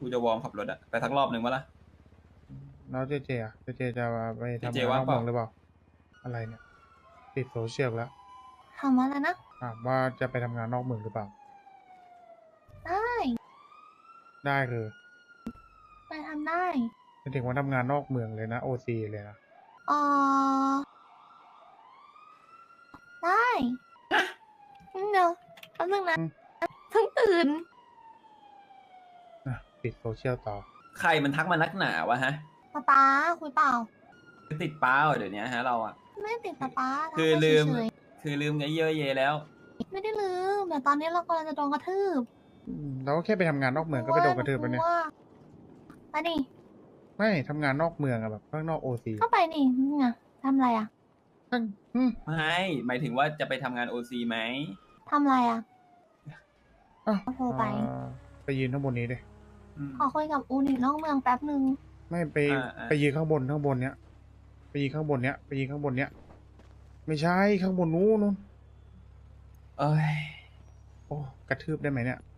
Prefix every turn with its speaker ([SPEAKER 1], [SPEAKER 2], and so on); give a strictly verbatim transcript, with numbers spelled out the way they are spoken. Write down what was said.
[SPEAKER 1] กูจะวอร์มขับรถอะไปสักรอบหนึ่งวะล่ะ
[SPEAKER 2] แล้วเจเจอะเจเจจะไปทำ
[SPEAKER 1] เจเจ
[SPEAKER 2] งานน
[SPEAKER 1] ว่า
[SPEAKER 2] อง ก
[SPEAKER 1] เปล่า
[SPEAKER 2] เมืองหรือเปล่า อะไรเนี่ย ติดโซเชียลแล้ว
[SPEAKER 3] ถามว่าอะไรนะ
[SPEAKER 2] ถามว่าจะไปทำงานนอกเมืองหรือเปล่า
[SPEAKER 3] ได้
[SPEAKER 2] ได้คือ
[SPEAKER 3] ไปทำได้
[SPEAKER 2] เป็นถึงว่าทำงานนอกเมืองเลยนะโอซีเลยนะ
[SPEAKER 3] เออได้อืมเดี๋ยวแป๊บนึงนะ
[SPEAKER 2] อืม
[SPEAKER 3] เพิ่งตื่น
[SPEAKER 2] นะปิดโซเชียลต่อ
[SPEAKER 1] ใครมันทักมานักหนาวะฮะ
[SPEAKER 3] ป๊าป๊าคุยเปล่า
[SPEAKER 1] ติดป้าเหรอเดี๋ยวนี้ฮะเราอะ
[SPEAKER 3] ไม่ติดป๊าป๊า
[SPEAKER 1] คือ
[SPEAKER 3] ทักมา
[SPEAKER 1] ลืม
[SPEAKER 3] เฉย
[SPEAKER 1] คือลืมไงเยอะเยแล้ว
[SPEAKER 3] ๆไม่ได้ลืมแต่ตอนนี้เรากำลังจะโดนกระทืบ
[SPEAKER 2] อืมเราก็แค่ไปทำงานนอกเมืองก็ไปโดนกระทืบแล้วเนี่ย
[SPEAKER 3] ว่าไปดิ
[SPEAKER 2] ไม่ทำงานนอกเมืองอะแบบข้างนอกโอซี
[SPEAKER 3] เข้าไปดินี่ไงทำอะไรอ่ะ
[SPEAKER 2] ข้างอืม
[SPEAKER 1] ไม่หมายถึงว่าจะไปทำงานโอซีไหม
[SPEAKER 3] ทำอะไรอ่ะ
[SPEAKER 2] อ้าว
[SPEAKER 3] โทรไป
[SPEAKER 2] อ่าไปยืนข้างบนนี้ดิ
[SPEAKER 1] อืม
[SPEAKER 3] ขอคุยกับอูนิตนอกเมืองแป๊บนึง
[SPEAKER 2] ไม่ไป
[SPEAKER 1] อ่าอ่า
[SPEAKER 2] ไปยืนข้างบนข้างบนเนี้ยไปยืนข้างบนเนี้ยไปยืนข้างบนเนี้ยไม่ใช่ข้างบนนู้นนู้น
[SPEAKER 1] เอ้ย
[SPEAKER 2] โอ้กระทืบได้ไหมเนี่ย